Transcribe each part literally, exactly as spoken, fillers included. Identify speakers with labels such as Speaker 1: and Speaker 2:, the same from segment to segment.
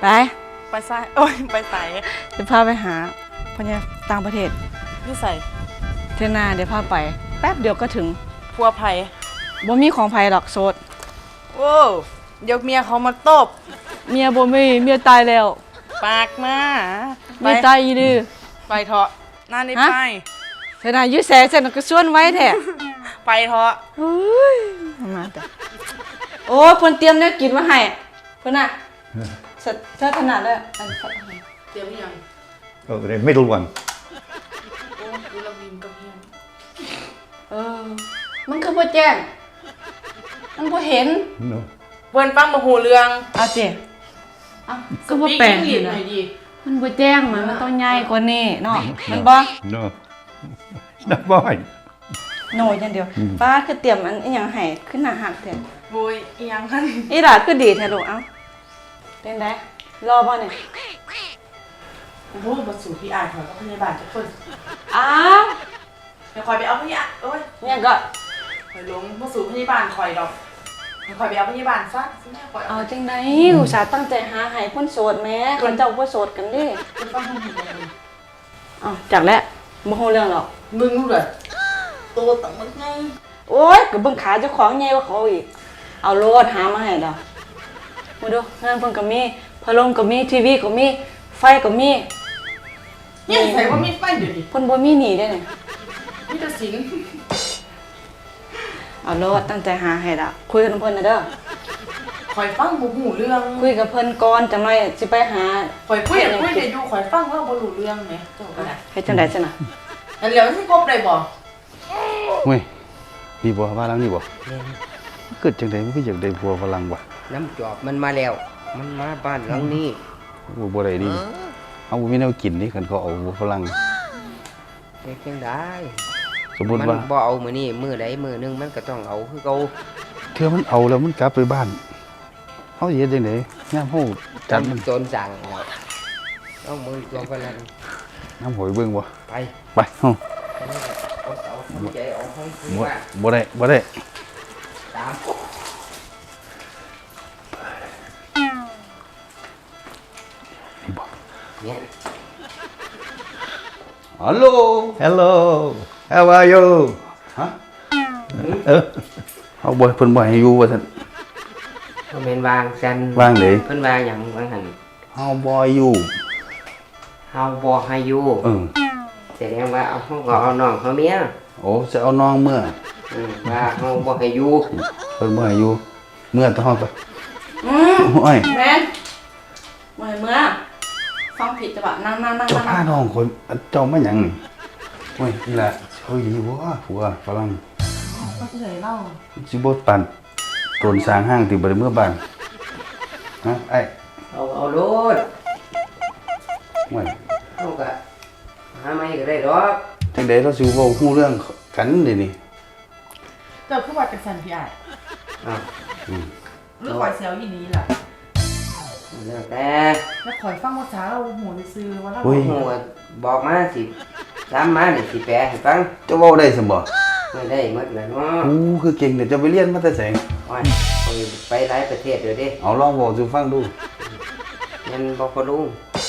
Speaker 1: ไป
Speaker 2: ไปใส่โอ้ยไปใส่
Speaker 1: เดี๋ยวพาไปหาพญาต่างประเทศ
Speaker 2: นี่ใส่
Speaker 1: เทน่าเดี๋ยวพาไปแป๊บเดียวก็ถึง
Speaker 2: พัวไผ่
Speaker 1: บ่มีของไผหรอกโสด
Speaker 2: โอ้เดี๋ยวเมียเขามาตบ
Speaker 1: เมียบ่มีเมียตายแล้ว
Speaker 2: ปากมา
Speaker 1: เมียตายอีดื้อ
Speaker 2: ไปเถอะนั่นนี่ไป
Speaker 1: เทน่ายื้อแสเส้นก็ชวนไว้แท้
Speaker 2: ไปเถอะ
Speaker 1: เฮ้ยมาแต่โอ้เพิ่นเตรียมแนวกินมาให้เพิ่นน่ะเสร็จเสร็จขนาดเลยอัน
Speaker 2: เตรียมยัง
Speaker 3: Oh, the middle one.
Speaker 2: โอ้ดูละวินกับเฮียน
Speaker 1: เออมันคือบ่แจ้งมันบ่เห็น
Speaker 3: No.
Speaker 2: เพิ่นฟังบ่ฮู้เรื่อง
Speaker 1: เอาสิเอ้าก็บ่แปลกอยู่นะ
Speaker 2: หน่อยดิ
Speaker 1: มันบ่แจ้งมันมันต้องใหญ่กว่านี้เนาะมันบ่
Speaker 3: No. It's not mine.
Speaker 1: โน่อย่างเดียวฟ้าคือเตรียมอันอีหยังให้ขึ้นหน้าหักแท้
Speaker 2: โอ้ยอีหยังคั่น
Speaker 1: อีหล่าคือดีแท้ลูกเอ้าเป็นไดรอบ่เนี่ย
Speaker 2: โอ้ยบ่สู่พี่อายเขากับพยาบาลทุกคน
Speaker 1: อ้าว
Speaker 2: เดี๋ยวคอยไปเอาพยาโอ้ย
Speaker 1: เนี่ยก็
Speaker 2: คอยลงบ่สู่พยาบาลคอยดอกเดี๋ยวคอยไปเอาพยาบาลซะสิแม่คอย
Speaker 1: เอาจังได๋อุตส่าห์ตั้งใจหาให้คนโสดแม่คนเจ้าบ่โสดกันเด้
Speaker 2: เพิ่นฟังฮู้เรื่อง
Speaker 1: อ้าวจักแล้วบ่ฮู้เรื่องหรอก
Speaker 2: มึงรู้เลยโตตั้งมันไง
Speaker 1: โอ๊ยก็เบิ่งขาเจ้าของใหญ่กว่าเขาอีกเอาโลดหามาให้ดอกมาดูงานเพิ่นก็มีพัดลมก็มีทีวีก็มีไฟก็มี
Speaker 2: เนี่ยใส่ว่ามีไฟเดี๋ยวนี้
Speaker 1: เพิ่นบ่มีหนี้ได้เนี่ย
Speaker 2: มีแต่สิง
Speaker 1: เอาโลดตั้งใจหาให้ล่ะคุยกับเพิ่นน่ะเด้อ
Speaker 2: คอยฟังบ่ฮู้เรื่อง
Speaker 1: คุยกับเพิ่นก่อนจังได๋สิไปหา
Speaker 2: คอยคุยคุยได้อยู่คอยฟังว่าบ่รู้เรื่องแหมเจ้าก็ได้
Speaker 1: เฮ็ดจังได๋ซั่นน่ะ
Speaker 2: อันแล้วสิครบได้บ่
Speaker 3: เว้ยนี่บ่ว่าลังนี่บ่เกิดจังได๋มันคืออยากได้ผัวฝรั่งวะ
Speaker 4: น้ำจอบมันมาแล้วมันมาบ้านหลังนี้
Speaker 3: บ่บ่ได้ดิเอาบ่มีแนวกินนี่คันเขาเอาผัวฝรั่ง
Speaker 4: เฮ็ดจังได๋
Speaker 3: สมมุติว่า
Speaker 4: มันบ่เอามื้อนี้มื้อใดมื้อนึงมันก็ต้องเอาคือเก่า
Speaker 3: เทื่อมันเอาแล้วมันกลับไปบ้านเฮาสิเฮ็ดจังได๋ยามเฮาจัดมัน
Speaker 4: โจรสั่งแล้วเอามือตัวฝรั่ง
Speaker 3: น้ำหอยเบิ่งบ่
Speaker 4: ไป
Speaker 3: ไปเฮาบ่ได้บ่ได้
Speaker 4: ตามเนี่ย
Speaker 3: Hello Hello How are you ฮะเออเฮาบ่เพิ่นบ่ให้อยู่ว่าซั่น
Speaker 4: บ่แม่นวางซั่น
Speaker 3: วางเด้
Speaker 4: เพิ่นว่าหยังวางหั่น
Speaker 3: Howบ่อยู่
Speaker 4: Howบ่ให้อยู่
Speaker 3: เออ
Speaker 4: แสดงว่าเอาเฮาก็เอาน้องเฮาเมีย
Speaker 3: โอ้จะเอาน้องเมื่อ
Speaker 4: อือว่าเฮาบ่ให้อยู่
Speaker 3: เพิ่นบ่ให้อยู่เมื่อตะเฮาไป
Speaker 1: อือโอ้ยแม่นบ่ให้เมื่อฟังผิดจ้ะบ่นั่งๆๆๆ
Speaker 3: เจ้าพาน้องคนเจ้ามาหยังนี่โอ้ยนี่ล่ะเฮ้ยดีบ่ผัวฝรั่ง
Speaker 2: ก็สิได้เล่า
Speaker 3: สิบ่ปานต้นสร้างห้างที่บ่ได้เมื่อบ้านฮะไอ้
Speaker 4: เอาเอาโลด
Speaker 3: โอ้ย
Speaker 4: เฮาก็หาใหม่ก็ได้ดอก
Speaker 3: จังได๋เราสิเว้าฮู้เรื่องกันเด้นี่
Speaker 2: เจ้าคือว่าจังซั่นพี่อ้าย
Speaker 4: อ้าว
Speaker 3: อืม
Speaker 2: หรือคอยเซลอีนี้ล่ะ
Speaker 4: แล้วแต่
Speaker 2: แล้วคอยฟังภาษาเราหูซื่อว่าเรา
Speaker 4: ฮู้บอกมาสิถามมานี่สิแปลให้ฟัง
Speaker 3: เจ้าเว้าได้ซั่นบ่
Speaker 4: ไม่ได้หมดแล้วเนาะ
Speaker 3: โอ้คือเก่งเด้อเจ้าไปเรียนมาแต่ไส
Speaker 4: โอ้ยไปหลายประเทศเด้อเด้
Speaker 3: เอาลองเว้าสู่ฟังดู
Speaker 4: งั้นบ่พอรู้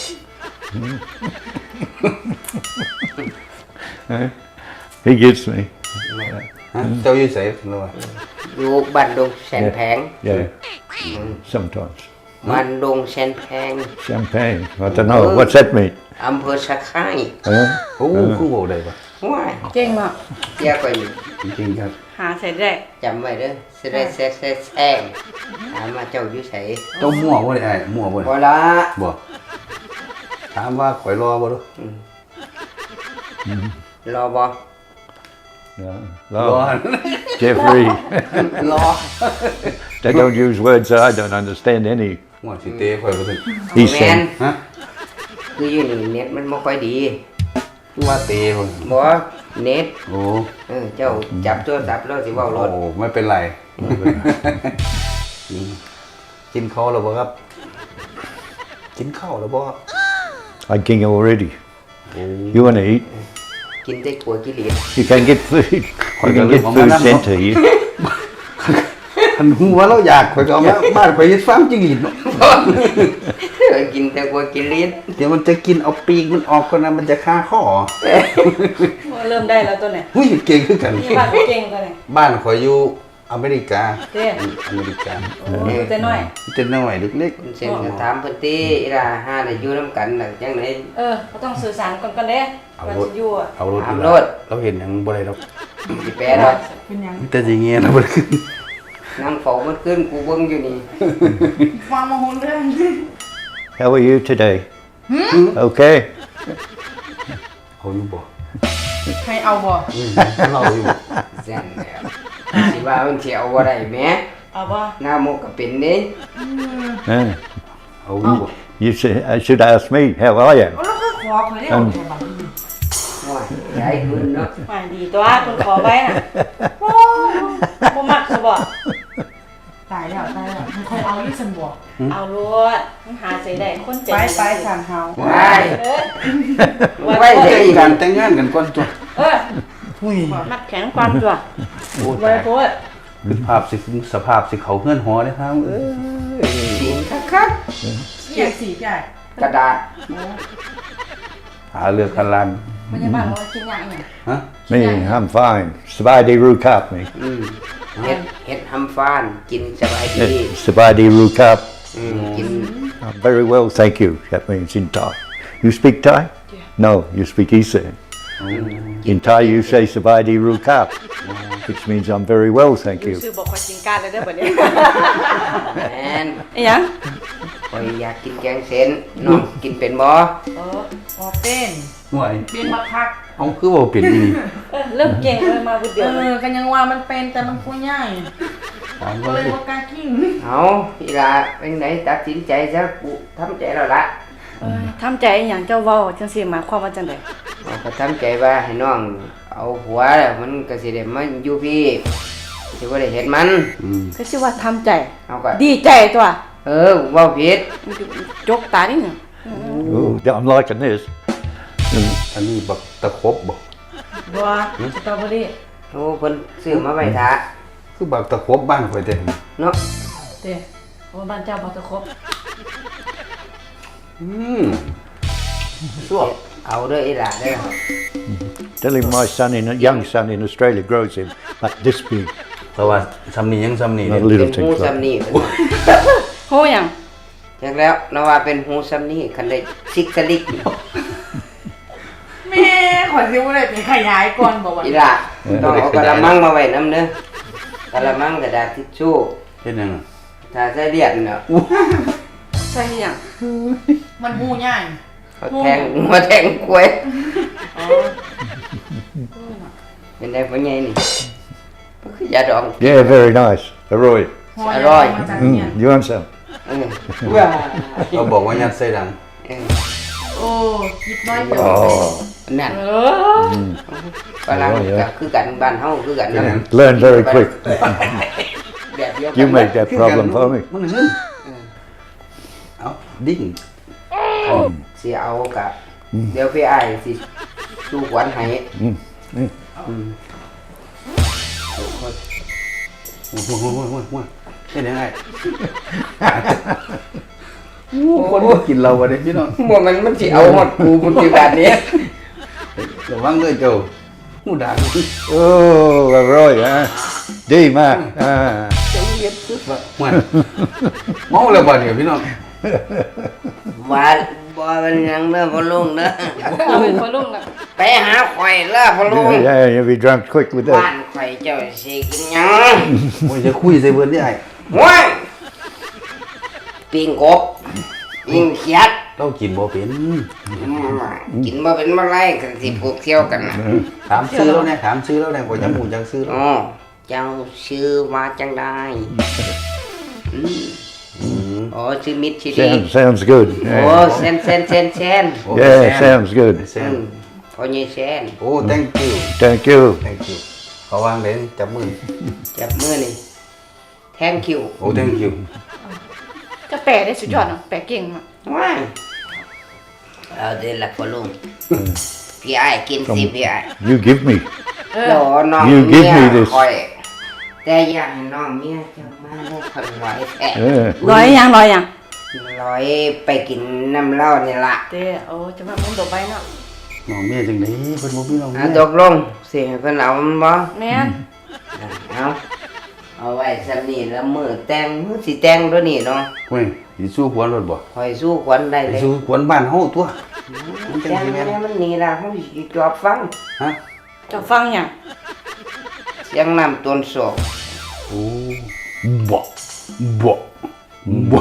Speaker 3: He gives me เจ้าอยู่ไสล่ะ
Speaker 4: อยู่บ้านดงแสนแพง
Speaker 3: Yeah sometimes
Speaker 4: บ้านดงแสนแพง
Speaker 3: Champagne I don't know what's that mean
Speaker 4: อำเภอสะไคร้
Speaker 3: เออโอ้คือเว้าได้บ่
Speaker 4: ว้าย
Speaker 1: เก่งมาก
Speaker 4: เกี่ยวกับอยู่
Speaker 3: จริงครับ
Speaker 1: หาเสร็จได้
Speaker 4: จำไว้เด้อสิได้แซ่ๆแซงถามว่าเจ้าอยู่ไส
Speaker 3: เจ้ามั่วบ่ได้อ้ายมั่วบ่
Speaker 4: บ่ล่ะ
Speaker 3: บ่ถามว่าข่อยรอบ่ดู
Speaker 4: รอบ่
Speaker 3: รอ Jeffrey
Speaker 4: รอ
Speaker 3: They don't use words that I don't understand any ว่าสิเตะข่อยบ่ซั่น
Speaker 4: He said ฮะคืออยู่นี่เน็ตมันบ่ค่อยดี
Speaker 3: ว่าเตะบ่
Speaker 4: บ่เน็ต
Speaker 3: โอ้
Speaker 4: เออเจ้าจับโทรศัพท์แล้วสิเว้ารถ
Speaker 3: โอ้ไม่เป็นไรกินข้าวแล้วบ่ครับกินข้าวแล้วบ่ I king already You want to eat
Speaker 4: กินได้กลัวกิเลส
Speaker 3: You can get food You can get food sent to you คันหัวเราอยากข่อยก็เอามาบ้านข่อยเฮ็ดฟาร์มจิ้งหรีดเนาะ
Speaker 4: กินแต่กลัวกินลิ้น
Speaker 3: เดี๋ยวมันจะกินเอาปีกมันออกก่อนนะมันจะฆ่าข้อ
Speaker 1: เริ่มได้แล้วตัวเนี่ย
Speaker 3: เฮ้ยเก่งขึ้นกัน
Speaker 1: นี่บ้านเก่งตัวเนี่ย
Speaker 3: บ้านขอยอยู่อเมริกา
Speaker 1: เด้
Speaker 3: อเมริกา
Speaker 1: โอ้ยแต่น้อย
Speaker 3: เจะน้อยเล็ก
Speaker 4: เส้นก็ถามเพิ่นติอีหล่าหาได้อยู่นํกันน่ะจังได๋
Speaker 1: เออเขาต้องสื่อสารกันกันเด้วันสิอยู่อ่ะ
Speaker 3: ๆเอารถ
Speaker 4: เอา
Speaker 3: อีก
Speaker 4: ร
Speaker 3: แล้ว
Speaker 4: ถ
Speaker 3: เราเห็นอย่างบ่ได้หรอก
Speaker 4: สิแปลดอก
Speaker 2: เป็นหยัง
Speaker 3: แต่สิเงี้ยนะบ่ได้ขึ้น
Speaker 4: นั่งเฝ้ามันขึ้นกูเบิ่งอยู่นี่
Speaker 2: ฟังมาหุ่นเรื่อง
Speaker 3: How are you today Okay เอาอยู่บ่
Speaker 2: ให้เอาบ่
Speaker 3: อืมเราอยู่
Speaker 4: แซ่นแล้วสิว่ามันสิเอาบ่ได้แหม
Speaker 1: เอาบ่
Speaker 4: หน้าหมกก็เป็นเด้
Speaker 3: Uh, เอาอยู่บ่
Speaker 5: You should, uh, should ask me, how are you?
Speaker 2: แล้วก็ขอขอได้เอาแค่บัดนี้
Speaker 4: ว้ายยายขึ้นเนาะ
Speaker 1: มาดีตัวคนขอไว้น่ะโอ้บ่มักซะบ่
Speaker 2: ตายแล้วตายแล้วมันค่อยเอาอยู่ซั่นบ่
Speaker 1: เอารถมันหาใส่ได้คนใจ
Speaker 2: ไป
Speaker 1: ดี
Speaker 2: ไปสั่นเฮา
Speaker 4: ว้าย
Speaker 1: เอ้ย
Speaker 4: ไว้เด้
Speaker 3: แต่
Speaker 4: อี
Speaker 3: ง
Speaker 4: ก
Speaker 3: กันแต่งงานกันก่อนตัว
Speaker 1: เออ
Speaker 3: อุ้ย
Speaker 1: มัดแขนความตัว
Speaker 3: โอ้
Speaker 1: ไว้
Speaker 3: ตาย
Speaker 1: โพด
Speaker 3: คือภาพสิสภาพสิเขาเฮือนหอเด้ครับเอ้ย
Speaker 4: สีคัก
Speaker 2: เกี่ยสีใหญ่
Speaker 4: ๆกระดาษ
Speaker 3: หาเรื่องกันลัน
Speaker 1: พยาบาลบอกว่ากินยาอีหยัง
Speaker 3: ฮะ
Speaker 5: Me, I'm fine. Sabadi Rukap me.
Speaker 4: อืมเฮ็ดเฮ็ดหำฟานกินสบายดี
Speaker 5: Sabadi Rukap.
Speaker 4: อืมกิน
Speaker 5: I'm very well, thank you. That means in Thai. You speak Thai? No, you speak Isa. In Thai, you say Sabadi Rukap, which means I'm very well, thank
Speaker 1: ดู
Speaker 5: you.
Speaker 1: ซื้อบอกว่ากินการเลยเด้อบัดนี้
Speaker 4: แม่น
Speaker 1: อีหยัง
Speaker 4: ข่อยอยากกินแกงเส้นน้องกินเป็นบ่
Speaker 1: เออ
Speaker 2: ออเป็น
Speaker 3: ห่วย
Speaker 2: เป็นบักคัก
Speaker 3: เอาคือบ่เป็นอีนี่
Speaker 1: เออเริ่มเก่งเลยมาบุดเดียว
Speaker 2: เออกันยังว่ามันเป็นแต่มันผู้ใหญ่
Speaker 3: ถาม
Speaker 2: ก็
Speaker 3: ว่า
Speaker 2: เลยบ่กล้ากิน
Speaker 4: เอาพี่ลาเป็นไหนตัดสินใจซะกูทำใจแล้วล่ะ
Speaker 1: เออทำใจอหย่างเจ้าเว้าจังซี่หมายความว่าจังได๋
Speaker 4: เอาก็ทำใจว่าให้น้องเอาหัวแล้วมันก็สิได้มาอยู่พี่สิบ่ได้เห็นมัน
Speaker 3: อืม
Speaker 1: ก็สิว่าทำใจ
Speaker 4: เอาก็
Speaker 1: ดีใจตัว
Speaker 4: เออเว้าผิด
Speaker 1: จกตานิดหนึง
Speaker 5: Oh, I'm liking this.
Speaker 3: อันนี้บักตะครบบ่
Speaker 1: บัวสตรอเบอรี่
Speaker 4: โอ้เพิ่นซื้อมาไว้ท่า
Speaker 3: คือบักตะครบบ้านข่อยแต่
Speaker 4: เนาะ
Speaker 1: เด้โอ้บ้านเจ้าบ่ตะครบ
Speaker 3: อืมสวบ
Speaker 4: เอาเด้ออีหล่าเด้อ
Speaker 5: Tell him my son, in, young son in Australia, grows him like this big.
Speaker 3: แต่ว่าซำนี้ยังซำนี้
Speaker 5: Not
Speaker 3: เด้
Speaker 5: little
Speaker 4: เป็นหู
Speaker 5: things
Speaker 4: ซ้ำ
Speaker 5: like
Speaker 4: นี่
Speaker 1: โหหยัง
Speaker 4: จักแล้วเราว่าเป็นหูซ้ำนี่คันได้ซิกสลิก
Speaker 2: แม่ขอสิบ่ได้ไปขยายก่อนบ่ว่า
Speaker 4: อีหล่าต้องเอากระมังมาไว้นำเด้อกระมังกระดาษทิชชู่
Speaker 3: เฮ็ดหยัง
Speaker 4: ถ้าใส่เลียดเนาะ
Speaker 1: ใช่หยัง
Speaker 2: มันหูใหญ่
Speaker 4: เขาแทงมาแทงกล้วย
Speaker 1: อ๋อ
Speaker 4: เป็นได้พ่อใหญ่นี่ก็คือยาดอง
Speaker 5: Yeah, very nice. Aroy.
Speaker 2: หอ
Speaker 4: อร่อย
Speaker 2: มาจากเนี่ย
Speaker 5: Mm, you want some?
Speaker 4: เออว้า
Speaker 3: เราบอกว่ายัดใส่ดัง
Speaker 4: เออ
Speaker 2: โอ้คิดน้อยเดียว
Speaker 5: Oh,
Speaker 4: นั่น
Speaker 1: เออ
Speaker 4: ฝรั่งก็คือกันบ้านเฮาคือกัน
Speaker 5: learn very quick.
Speaker 4: แบบเดียวกัน
Speaker 5: You make that problem for me.
Speaker 3: มันเงินเอาดิ้ง
Speaker 4: สิเอากะเดี๋ยวพี่อ้ายสิสู้ขวัญให้
Speaker 5: Mm.
Speaker 4: อืม
Speaker 3: โอ้โหโอ้โหโอ้โหโอ้โหเฮ็ดยังไงคนบ่กินเราบ่ได้พี่น้อง
Speaker 4: บ่มันมันสิเอาฮอดกูปัจจุบันนี้
Speaker 3: ระวังด้วยเจ้าหูด่าง
Speaker 5: Oh, Aroy, huh? D, Mark. Ah.
Speaker 3: เจ้าเฮ็ดสุดว่าม่วนเมาแล้วบ่เนี่ยพี่น้อง
Speaker 4: ว่าบ่เป็นหยังเด้อพ่อลุงเด้อ
Speaker 1: เอาเป็นพ่อลุงน่ะ
Speaker 4: ไปหาข่อยเด้อพ่อลุง
Speaker 5: Yeah, yeah, you'll be drunk quick with
Speaker 4: บ้าน
Speaker 5: that.
Speaker 4: ข่อยเจ้าสิกินหยัง
Speaker 3: โอ้ยจะคุยใส่เบิดได้ไอ้
Speaker 4: ว้ายปิ้งกบปิ้งเขียด
Speaker 3: เรากินบ่เป็น
Speaker 4: กินบ่เป็นบ่ไรกันสิพวกเที่ยวกันน่ะ
Speaker 3: ถามซื้อแล้วเนี่ยถามซื้อแล้วเนี่ยบ่จำหมู่จังซื้อแล้ว
Speaker 4: อ๋อเจ้าชื่อว่าจังไดอืม
Speaker 3: อืม
Speaker 4: อ๋อชื่อมิตรชิลี
Speaker 5: Sounds, sounds good.
Speaker 4: โอ้
Speaker 5: Yeah,
Speaker 4: เซนเซนเซนเซน
Speaker 3: โอ้
Speaker 5: yeah
Speaker 3: แซ
Speaker 5: sounds good.
Speaker 3: แซ
Speaker 4: อื
Speaker 3: ม
Speaker 4: มพ่อใหญ่แซน
Speaker 3: โอ้ thank you
Speaker 5: Thank you.
Speaker 3: thank you เขาวางเลยจับมือ
Speaker 4: จับมือนี่ thank you
Speaker 3: โอ้ thank you
Speaker 1: จะแปลได้สุดยอดเนาะแปลเก่งมาก
Speaker 4: ว้ายเอาเดี๋ยวละพ่อลุงพี่ไอ้ายกินสิพี่ไอ้าย
Speaker 5: You give me.
Speaker 1: เอ
Speaker 4: โด
Speaker 1: อ
Speaker 4: น้อง
Speaker 5: You
Speaker 4: เมี
Speaker 5: give
Speaker 4: ย
Speaker 5: me this
Speaker 4: คอยแต่อยากให้น้องเมียเจ้ามาได้คนไหวแท้
Speaker 5: Yeah.
Speaker 1: ร้อยยังร้อยยัง
Speaker 4: ร้อยไปกินน้ำเหล้านี่ล่ะ
Speaker 1: เต้โอ้จะมามึงต่อไปเนาะ
Speaker 3: น้องเมียจังได๋เพิ่นบ่มีน้องเมี
Speaker 4: อ่ะ
Speaker 3: ย
Speaker 4: ตกลงสิให้เพิ่นเอามันบ่
Speaker 1: แม่น
Speaker 4: อ่ะเอาเอาไว้ซำนี้แล้วมื้อแต่งมื้อสิแต่งตัวนี้เนาะ
Speaker 3: เฮ้ยสิสู้ขวัญรถบ่
Speaker 4: คอยสู้ขวัญได้
Speaker 3: ไป
Speaker 4: เลย
Speaker 3: สู้ขวัญบ้านเฮาตัวมันจัง
Speaker 4: แต่ง
Speaker 3: สิแม่น
Speaker 4: แล้วมันนี่ล่ะเฮาสิจอบฟัง
Speaker 3: ฮะ
Speaker 1: จะฟังหยัง
Speaker 4: เสียงน้ำต้นโศก
Speaker 3: โอ้บ่บ่บ่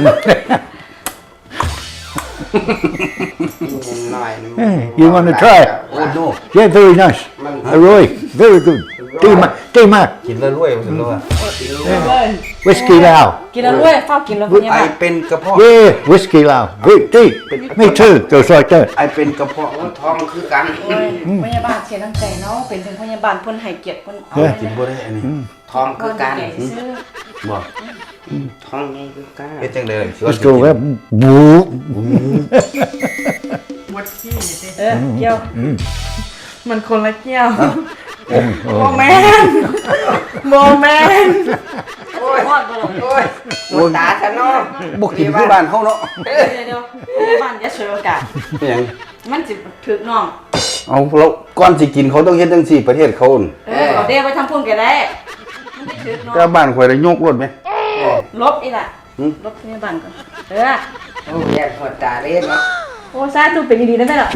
Speaker 4: หน่อย
Speaker 5: Hey, you want to try it?
Speaker 3: โอ้ no
Speaker 5: Yeah, very nice. Roy, very good. Tea Mac, Tea Mac,
Speaker 3: กินแล้วรวยว่าซั่นแล้วว่า
Speaker 5: whiskey Lao.
Speaker 1: กินแล้วรวยเฝ้ากินแล้วพยา
Speaker 3: ไอบ
Speaker 1: าล
Speaker 3: เป็นกระเพาะ
Speaker 5: Yeah, whiskey Lao. Great tea. Me too. Goes like that.
Speaker 3: ไอเป็นกระเพาะ
Speaker 4: โอ้ท้องคือกัน
Speaker 1: โอ้ยพยาบาลเสียน้ำใจเนาะเป็นถึงพยาบาลเพิ่นให้เกียรติเพิ่นเอา
Speaker 5: เฮ้ย
Speaker 3: กินบ่ได้อันนี้
Speaker 4: ท้อง
Speaker 1: เพิ่
Speaker 4: คื
Speaker 1: น
Speaker 4: อกัน
Speaker 1: แก่ซื้อ
Speaker 3: บ่
Speaker 4: ท้องใหญ่คือกัน
Speaker 3: เฮ็ดจังได๋ล่ะสิว่า
Speaker 5: Let's go there. Whoop.
Speaker 2: วัดที่สิ
Speaker 1: เออเกี่ยว
Speaker 2: มันคนละเกี่ยว
Speaker 5: Oh,
Speaker 2: โมแมนโมแมน
Speaker 4: โอ้ย
Speaker 1: ฮอดบ่ล่ะ
Speaker 4: โอ้ยหมดตาซะเนาะ
Speaker 3: บ่กินคือบ้านเฮาเนาะ
Speaker 1: เดี๋ยวเดี๋ยวพยาบาลอย่าฉวยโอกาส
Speaker 3: เป็นหยัง
Speaker 1: มันสิถึกน้อง
Speaker 3: เอาเราก่อนสิกินเขาต้องเฮ็ดจังซี่ประเทศเขาน่ะ
Speaker 1: เออเอาเด้ไปทำพุ่นก็ได้มันสิถึกน้อง
Speaker 3: ก็บ้านข่อยได้ยกรถไหม
Speaker 1: ลบอีกล่ะ
Speaker 3: หืม
Speaker 1: ลบพยาบาลก่อนเออ
Speaker 4: โอ้ยแยกหมดตาเลยเนาะ
Speaker 1: โอ้ซาตุเป็นดีๆได้ไหมล่ะ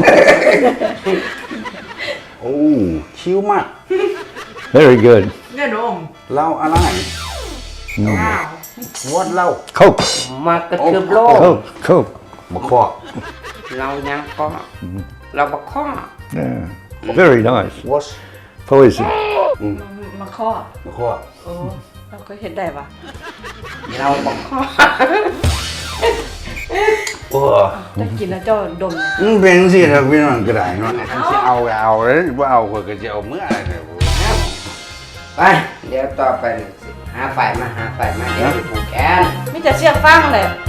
Speaker 3: โอ้ชิวมาก
Speaker 5: very good.
Speaker 2: เนี่ยโดม
Speaker 3: เหล้าอะไร
Speaker 2: อ้าว
Speaker 3: วอดเหล้า
Speaker 5: Coke,
Speaker 4: มากระทืบโลก
Speaker 5: Coke, Coke.
Speaker 3: มะขอ
Speaker 4: เรายังก็เราบ่ข้อ
Speaker 5: Yeah. Very nice.
Speaker 3: วอช
Speaker 5: Poison.
Speaker 1: มาข้อ
Speaker 3: มะขอ
Speaker 1: โอ้เราก็เห็นได้ปะ
Speaker 4: เราบ่ข้อ
Speaker 3: โอ้
Speaker 1: จะกินแล้วเจ้าดม
Speaker 3: อืมเป็นสิครับพี่น้องก็ได้เนาะอันสิเอาก็เอาเลยบ่เอาก็ก็สิเอาเมื่อไหร่เนี่ยโอ้
Speaker 4: ไปเดี๋ยวต่อไปนี่สิหาฝ่ายมาหาฝ่ายมาเดี๋ยวไปผูกแขน
Speaker 1: มีแต่เสียงฟังเลย